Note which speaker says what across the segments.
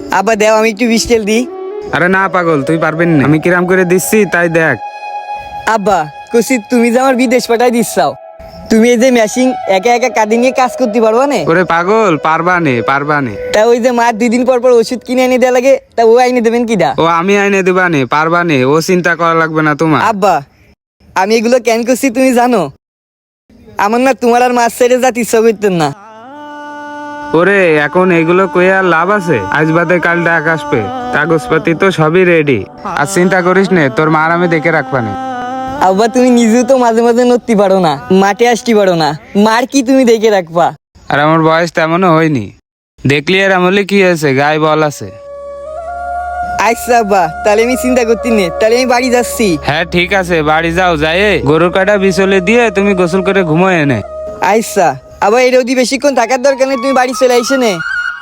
Speaker 1: আব্বা দেও আমি একটু বিস্কেল দিই।
Speaker 2: আরে না পাগল, তুই পারবেন না, আমি কিরাম করে দিচ্ছি তাই দেখ।
Speaker 1: আব্বা কসি তুমি যে আমার বিদেশ পাঠাই দিচ্ছাও, তুমি এই যে মেশিন একা একা কাঁদি নিয়ে কাজ করতে পারবা না?
Speaker 2: ওরে পাগল, পারবানে।
Speaker 1: তা ওই যে মার 2 দিন পর পর ওষুধ কিনে এনে দেওয়া লাগে, তা ও আইনে দেবেন কিনা?
Speaker 2: ও আমি আইনে দিবানে, পারবানে, ও চিন্তা করা লাগবে না তোমার।
Speaker 1: আব্বা আমি এগুলো কেন করছি তুমি জানো? আমার না তোমার আর মাছ ছেড়ে যাতে ইচ্ছা করতেন না।
Speaker 2: ওরে এখন এগুলো কই আর লাভ আছে? আজ বাদে কাল ডাক আসবে, কাগজপাতি তো সবই রেডি। আর চিন্তা করিস নে, তোর মার আমি দেখে রাখবানে।
Speaker 1: আব্বা তুমি নিজেও তো মাঝে মাঝে নড়তে পারো না, মাঠে আসতে পারো না, মার কি তুমি দেখে রাখবা?
Speaker 2: আর আমার বয়স তেমনও হয়নি, দেখলি আর আমলে কি হয়েছে, গায়ে বল আছে।
Speaker 1: আচ্ছা আব্বা তাহলে আমি চিন্তা করতে নে, তাহলে আমি বাড়ি যাচ্ছি।
Speaker 2: হ্যাঁ ঠিক আছে, বাড়ি যাও, যাই গরুর কাটা বিচলে দিয়ে তুমি গোসল করে ঘুমো এনে।
Speaker 1: আচ্ছা আবার এই রোদি বেশিক্ষণ থাকার দরকার নেই, তুমি বাড়ি চলে আইসে নে।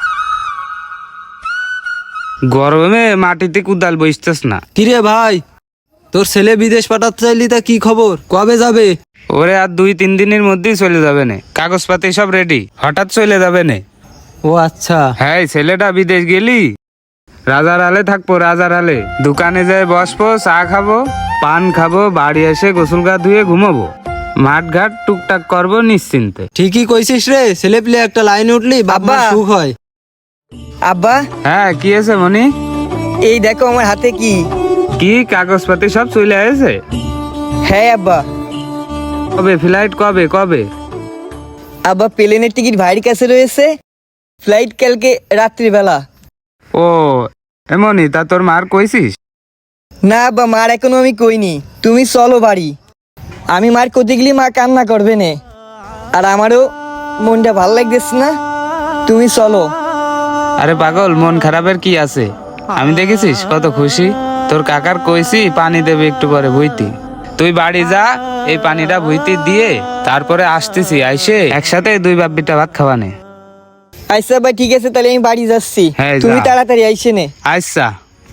Speaker 2: গরমে মাটিতে কুদাল বসতেস না।
Speaker 3: কিরে ভাই, তোর ছেলে বিদেশ পাঠাতে চাইলি, তা কি খবর, কবে যাবে?
Speaker 2: ওরে আর 2-3 দিনের মধ্যেই চলে যাবে না, কাগজপাতি সব রেডি, হঠাৎ চলে যাবে না।
Speaker 3: ও আচ্ছা।
Speaker 2: হ্যাঁ ছেলেটা বিদেশ গেলি রাজার হালে থাকবো, রাজার হালে দোকানে যায় বসবো, চা খাবো, পান খাবো, বাড়ি এসে গোসল গা ধুয়ে ঘুমাবো, মাঠ ঘাট টুকটাক করবো নিশ্চিন্তে।
Speaker 3: ঠিকই কইছিস রে, ছেলে পেলে একটা লাইন উঠলি বাবা
Speaker 1: আব্বা।
Speaker 3: সুখ হয়।
Speaker 1: আব্বা
Speaker 2: হ্যাঁ কি আছে মনি?
Speaker 1: এই দেখো আমার হাতে কি।
Speaker 2: কি কাগজপাতি সব চলে আসে?
Speaker 1: হ্যাঁ আব্বা।
Speaker 2: কবে ফ্লাইট, কবে কবে?
Speaker 1: আব্বা প্লেনের টিকিট ভাইয়ের কাছে রয়েছে, ফ্লাইট কালকে রাত্রিবেলা।
Speaker 2: ও এমনই, তা তোর মার কইছিস?
Speaker 1: না আব্বা মার এখনো আমি কইনি, তুমি চলো বাড়ি। আমি মার কোথায় গেলে মা কান্না করবে না, আর আমারও মনটা ভালো লাগতেছে না, তুমি চলো।
Speaker 2: আরে পাগল, মন খারাপের কি আছে? আমি দেখেছিস কত খুশি, তোর কাকার কইছি পানি দেবে একটু পরে ভুইতি, তুই বাড়ি যা, এই পানিটা ভুইতি দিয়ে তারপরে আসতেছি, আইসে একসাথে 2 বাপ বিটা ভাত খাওয়ানে।
Speaker 1: আচ্ছা আব্বা ঠিক আছে, তাহলে আমি বাড়ি যাচ্ছি,
Speaker 2: হ্যাঁ, যা।
Speaker 1: তুমি তাড়াতাড়ি আইসে নে।
Speaker 2: আচ্ছা।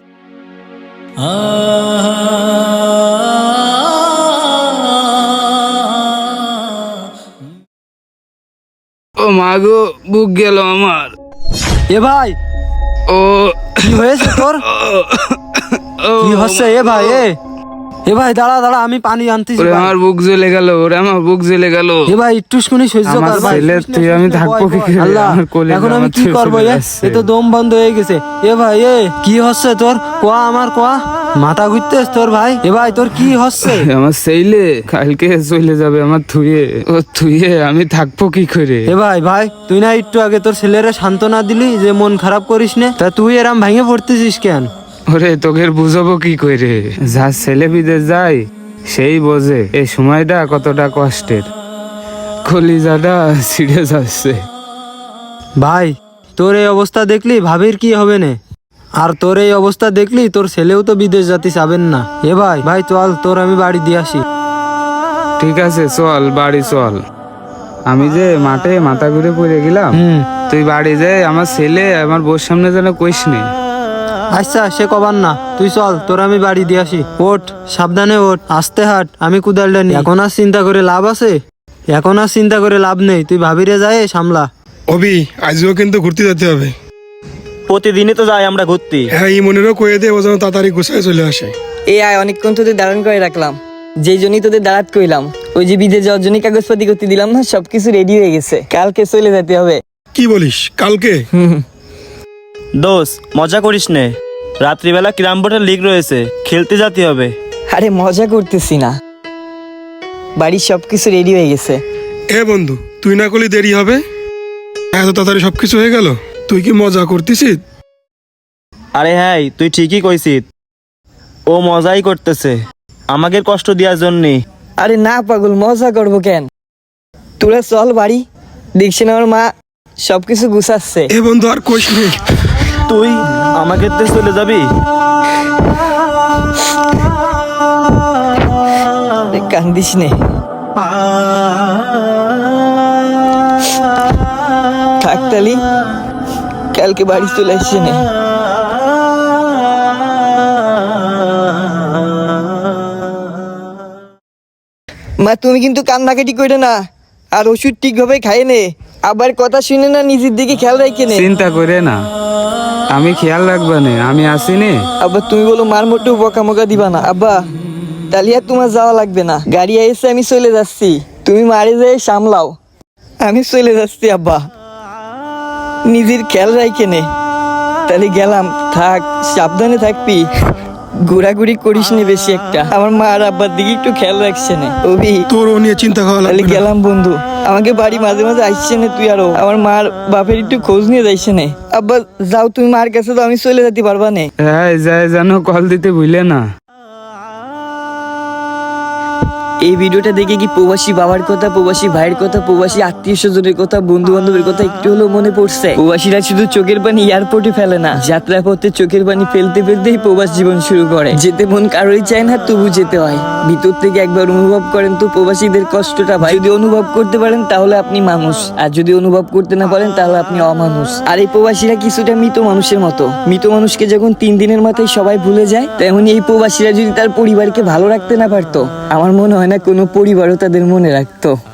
Speaker 2: ও মা গো, বুক গেল আমার।
Speaker 3: এ ভাই,
Speaker 2: ও
Speaker 3: কি হয়েছে তোর? কি হচ্ছে এ ভাই? এ ভাই দাঁড়া দাঁড়া, আমি পানি আনতেছি।
Speaker 2: ওরে আমার বুক জ্বলে গেল, ওরে আমার বুক জ্বলে গেল।
Speaker 3: এ ভাই একটুখানি সহ্য
Speaker 2: আমার
Speaker 3: কর ভাই।
Speaker 2: ছেলের তুই আমি থাকবো কি করে?
Speaker 3: আল্লাহ,
Speaker 2: আমার কোলে
Speaker 3: এখন আমি
Speaker 2: আমার
Speaker 3: কি
Speaker 2: ছেলে
Speaker 3: করবো?
Speaker 2: চলে
Speaker 3: এ
Speaker 2: যাচ্ছে।
Speaker 3: তো দম বন্ধ হয়ে গেছে। এ ভাই কি হচ্ছে তোর? কোয়া আমার কোয়া, মাথা ঘুরতেছ তোর ভাই? এ ভাই তোর কি হচ্ছে?
Speaker 2: আমার ছেলে কালকে চলে যাবে আমার থুয়ে, ও থুয়ে আমি থাকবো কি করে?
Speaker 3: এ ভাই ভাই, তুই না একটু আগে তোর ছেলেরে সান্ত্বনা দিলি যে মন খারাপ করিস না, তা তুই এরম ভেঙে পড়তেছিস কেন?
Speaker 2: ওরে তোকে বুঝাবো কি করে? যা ছেলে বিদেশ যায় সেই বোঝে এই সময়টা কতটা কষ্টের, কলিজাটা ছিঁড়ে যাচ্ছে।
Speaker 3: ভাই তোর এই অবস্থা দেখলি ভাবির কি হবে না? আর তোর এই অবস্থা দেখলি তোর ছেলেও তো বিদেশ যেতে চাবেন না। এ ভাই ভাই চল, তোর আমি বাড়ি দিয়ে আসি।
Speaker 2: ঠিক আছে চল, বাড়ি চল। আমি যে মাঠে মাথা ঘুরে পড়ে গেলাম, তুই বাড়ি যাই, আমার ছেলে আমার বউর সামনে যেন কইস নি।
Speaker 3: আচ্ছা সে কবার না, তুই চল, তোর আমি বাড়ি দিয়ে আসি। ওঠ, সাবধানে ওঠ, আস্তে হাট, আমি কুদালটা নি। এখন আর চিন্তা করে লাভ আছে? এখন আর চিন্তা করে লাভ নেই, তুই ভাবিরে যায় সামলা।
Speaker 4: অবি আজও কিন্তু ঘুরতে যেতে হবে।
Speaker 5: প্রতিদিনই তো যাই আমরা ঘুরতে।
Speaker 4: হ্যাঁ এই মনেরও কয়ে দে, ও যেন তাড়াতাড়ি গুছায় চলে আসে।
Speaker 1: এই আয় অনেকক্ষণ তোদের দাঁড়ান করে রাখলাম, যেই জন্যই তোদের দাঁড়াত কইলাম, ওই যে বিদেশ যাওয়ার জন্য কাগজপাতি করতে দিলাম না, সবকিছু রেডি হয়ে গেছে, কালকে চলে যেতে হবে।
Speaker 4: কি বলিস কালকে?
Speaker 5: দোষ মজা করিস নে, রাত্রিবেলা ক্যারাম বোর্ডের লিগ রয়েছে, খেলতে যেতে হবে।
Speaker 1: আরে মজা করতেছি না, বাড়ির সবকিছু রেডি হয়ে গেছে।
Speaker 4: এ বন্ধু, তুই না করলে দেরি হবে, এত তাড়াতাড়ি সবকিছু হয়ে গেল, তুই কি মজা করতেছিস?
Speaker 5: আরে হ্যাঁ তুই ঠিকই কইছিস, ও মজাই করতেছে আমাকে কষ্ট দেওয়ার জন্যে।
Speaker 1: আরে না পাগল, মজা করবো কেন? তোরা চল বাড়ি, দেখছি না আমার মা সবকিছু গুছাচ্ছে।
Speaker 4: এ বন্ধু আর কইস নে।
Speaker 5: তুই আমাকে তে চলে যাবি?
Speaker 1: কান্দিস নে, থাক তালি, কালকে বাড়ি চলে আসছে নে। মা তুমি কিন্তু কান্নাকাটি করে না, আর ওষুধ ঠিকভাবে খাই নে, আবার কথা শুনে না, নিজের দিকে খেয়াল রাখে নে।
Speaker 2: চিন্তা করে না, আমি খেয়াল রাখবা নে, আমি আসি নে।
Speaker 1: আব্বা তুমি বলো মার মোটেও বকা মকা দিবা না আব্বা, তাহলে আর তোমার যাওয়া লাগবে না, গাড়ি এসে আমি চলে যাচ্ছি, তুমি মারে যেয়ে সামলাও, আমি চলে যাচ্ছি আব্বা, নিজের খেয়াল রাখে নে। তাহলে গেলাম, থাক সাবধানে থাকবি, ঘোরাঘুরি করিস নি বেশি একটা, আমার মা আর আব্বার দিকে একটু খেয়াল রাখছে না অভি।
Speaker 4: তোর ও নিয়ে চিন্তা করা
Speaker 1: তাহলে
Speaker 4: লাগবে না।
Speaker 1: গেলাম বন্ধু, আমাকে বাড়ি মাঝে মাঝে আসছে না তুই, আরো আমার মার বাপের একটু খোঁজ নিয়ে যাইছে না। আব্বা যাও তুমি মার কাছে, তো আমি চলে যেতে পারবা না।
Speaker 2: হ্যাঁ যায় যেন কল দিতে ভুলে না।
Speaker 1: এই ভিডিওটা দেখে কি প্রবাসী বাবার কথা, প্রবাসী ভাইয়ের কথা, প্রবাসী আত্মীয় স্বজনের কথা, বন্ধু বান্ধবের কথা একটু হলেও মনে পড়ছে? প্রবাসীরা শুধু চোখের পানি এয়ারপোর্টে ফেলে না, যাত্রা পথে চোখের পানি ফেলতে ফেলতেই প্রবাস জীবন শুরু করে। যেতে মন কারোই চায় না, তবু যেতে হয়। ভিতর থেকে একবার অনুভব করেন তো প্রবাসীদের কষ্টটা ভাই। যদি অনুভব করতে পারেন তাহলে আপনি মানুষ, আর যদি অনুভব করতে না পারেন তাহলে আপনি অমানুষ। আর এই প্রবাসীরা কিছুটা মৃত মানুষের মতো, মৃত মানুষকে যখন 3 দিনের মাথায় সবাই ভুলে যায়, তেমনি এই প্রবাসীরা যদি তার পরিবারকে ভালো রাখতে না পারতো, আমার মনে হয় না কোনো পরিবারও তাদের মনে রাখতো।